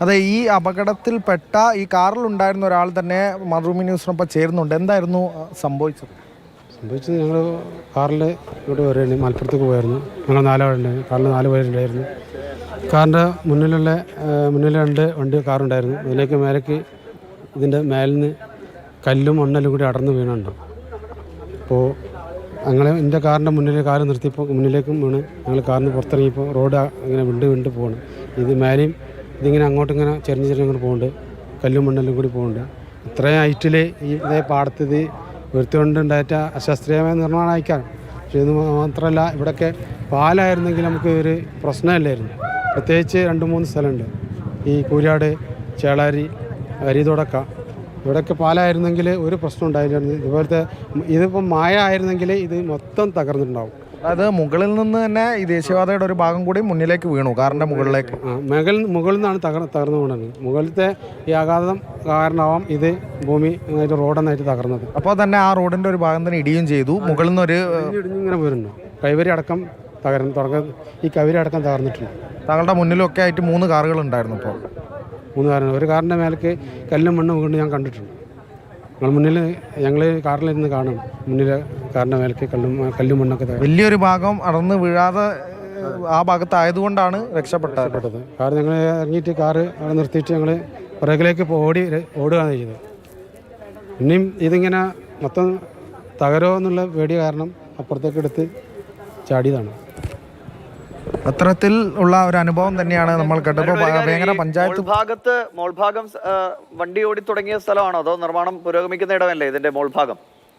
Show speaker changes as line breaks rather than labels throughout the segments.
അതെ, ഈ അപകടത്തിൽപ്പെട്ട ഈ കാറിലുണ്ടായിരുന്ന ഒരാൾ തന്നെ മാതൃഭൂമി ന്യൂസിനൊപ്പം ചേരുന്നുണ്ട്. എന്തായിരുന്നു സംഭവിച്ചത്?
ഞങ്ങൾ കാറിൽ ഇങ്ങോട്ട് വരുമായിരുന്നു, മലപ്പുറത്തേക്ക് പോയായിരുന്നു. ഞങ്ങൾ 4 പേരുണ്ടായിരുന്നു. കാറിൽ 4 പേരുണ്ടായിരുന്നു. കാറിൻ്റെ മുന്നിൽ 2 വണ്ടി കാറുണ്ടായിരുന്നു. മേലേക്ക് ഇതിൻ്റെ മേലിൽ നിന്ന് കല്ലും മണ്ണെല്ലാം കൂടി അടർന്ന് വീണുണ്ട്. അപ്പോൾ എൻ്റെ കാറിൻ്റെ മുന്നിൽ കാറ് നിർത്തിയപ്പോൾ മുന്നിലേക്കും വീണ് ഞങ്ങൾ കാറിന് പുറത്തിറങ്ങിയപ്പോൾ റോഡ് ഇങ്ങനെ വിണ്ട് പോകണം. ഇത് മേലെയും ഇതിങ്ങനെ അങ്ങോട്ടിങ്ങനെ ചെറിഞ്ഞ് അങ്ങോട്ട് പോകുന്നുണ്ട്. കല്ലും മണ്ണെല്ലാം കൂടി പോകുന്നുണ്ട്. ഇത്രയും ഹൈറ്റിൽ ഇതേ പാടത്ത് ഇത് വരുത്തിക്കൊണ്ടുണ്ടായിട്ട് അശാസ്ത്രീയമായ നിർമ്മാണം അയക്കാൻ. പക്ഷേ ഇത് മാത്രമല്ല, ഇവിടെയൊക്കെ പാലായിരുന്നെങ്കിൽ നമുക്ക് ഒരു പ്രശ്നമില്ലായിരുന്നു. പ്രത്യേകിച്ച് 2-3 സ്ഥലമുണ്ട്. ഈ കൂരാട്, ചേളാരി, അരിതൊടക്ക, ഇവിടെയൊക്കെ പാലായിരുന്നെങ്കിൽ ഒരു പ്രശ്നം ഉണ്ടായില്ലായിരുന്നു. ഇതുപോലത്തെ ഇതിപ്പം മായ ആയിരുന്നെങ്കിൽ ഇത് മൊത്തം തകർന്നിട്ടുണ്ടാവും.
അതായത് മുകളിൽ നിന്ന് തന്നെ ഈ ദേശീയപാതയുടെ ഒരു ഭാഗം കൂടി മുന്നിലേക്ക് വീണു, കാറിൻ്റെ മുകളിലേക്ക്.
മുകളിൽ നിന്നാണ് തകർന്നു വീണത്. മുകളിലത്തെ ഈ ആഘാതം കാരണമാവാം ഇത് ഭൂമി റോഡെന്നായിട്ട് തകർന്നത്.
അപ്പോൾ തന്നെ ആ റോഡിൻ്റെ ഒരു ഭാഗം തന്നെ ഇടിയും ചെയ്തു. മുകളിൽ നിന്ന് ഒരു
ഇടിഞ്ഞിങ്ങനെ വരുന്നു. കൈവരി അടക്കം ഈ കൈവരി അടക്കം തകർന്നിട്ടുണ്ട്.
താങ്കളുടെ മുന്നിലൊക്കെ ആയിട്ട് 3 കാറുകൾ ഉണ്ടായിരുന്നു. ഇപ്പോൾ
3 കാറുണ്ട്. ഒരു കാറിൻ്റെ മേലേക്ക് കല്ലും മണ്ണും വീണ്ടും ഞാൻ കണ്ടിട്ടുണ്ട്. ഞങ്ങൾ കാറിലിരുന്ന് കാണും. മുന്നിലെ കാറിൻ്റെ മേലേക്ക് കല്ലും മണ്ണൊക്കെ
വലിയൊരു ഭാഗം അടർന്ന് വീഴാതെ ആ ഭാഗത്തായതുകൊണ്ടാണ് രക്ഷപ്പെട്ടത്.
കാരണം ഞങ്ങൾ ഇറങ്ങിയിട്ട് കാറ് അവിടെ നിർത്തിയിട്ട് ഞങ്ങൾ പുറകിലേക്ക് ഓടുകയാണ് ചെയ്തത്. ഇനിയും ഇതിങ്ങനെ മൊത്തം തകരോ എന്നുള്ള പേടി കാരണം അപ്പുറത്തേക്ക് എടുത്ത് ചാടിയതാണ്.
അത്തരത്തിൽ ഉള്ള ഒരു അനുഭവം തന്നെയാണ് നമ്മൾ കേട്ടപ്പോൾ. വേങ്ങര പഞ്ചായത്ത്
മോൾഭാഗം വണ്ടി ഓടി തുടങ്ങിയ സ്ഥലമാണോ അതോ നിർമ്മാണം പുരോഗമിക്കുന്ന ഇടമല്ലേ ഇതിന്റെ മോൾഭാഗം?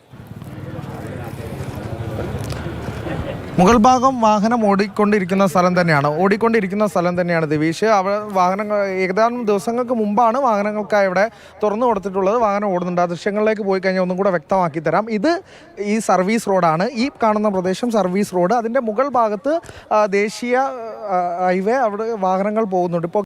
മുകൾ ഭാഗം വാഹനം ഓടിക്കൊണ്ടിരിക്കുന്ന സ്ഥലം തന്നെയാണ് ദിവീഷ്. അവിടെ വാഹനങ്ങൾ ഏകദേശം ദിവസങ്ങൾക്ക് മുമ്പാണ് വാഹനങ്ങൾക്കായി ഇവിടെ തുറന്നു കൊടുത്തിട്ടുള്ളത്. വാഹനം ഓടുന്നുണ്ട്. ആ ദൃശ്യങ്ങളിലേക്ക് പോയി കഴിഞ്ഞാൽ ഒന്നും കൂടെ വ്യക്തമാക്കി തരാം. ഇത് ഈ സർവീസ് റോഡാണ്. ഈ കാണുന്ന പ്രദേശം സർവീസ് റോഡ്. അതിൻ്റെ മുകൾ ഭാഗത്ത് ദേശീയ ഹൈവേ, അവിടെ വാഹനങ്ങൾ പോകുന്നുണ്ട്. ഇപ്പോൾ